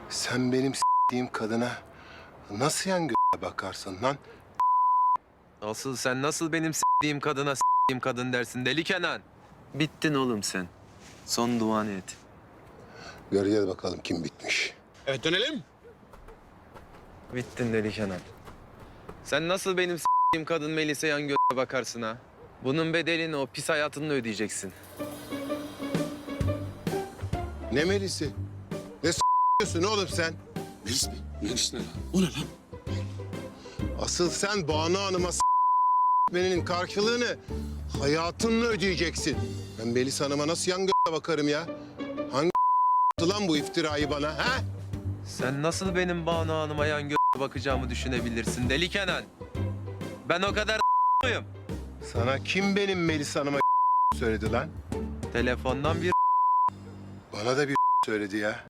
Sen benim s**tiğim kadına nasıl yan bakarsın lan? Asıl sen nasıl benim s**tiğim kadına s**tiğim kadın dersin deli Kenan? Bittin oğlum sen. Son duanı et. Göreceğiz bakalım kim bitmiş. Evet dönelim. Bittin deli Kenan. Sen nasıl benim s**tiğim kadın Melis'e yan bakarsın ha? Bunun bedelini o pis hayatınla ödeyeceksin. Ne Melis'i? Ne s**yorsun oğlum sen? Melis mi? Melis ne lan? O ne lan? Asıl sen Banu Hanım'a s**menin karşılığını hayatınla ödeyeceksin. Ben Melis Hanım'a nasıl yan bakarım ya? Hangi lan bu iftirayı bana ha? Sen nasıl benim Banu Hanım'a yan bakacağımı düşünebilirsin deli Kenan? Ben o kadar muyum? Sana kim benim Melis Hanım'a söyledi lan? Telefondan bir Bana da bir söyledi ya.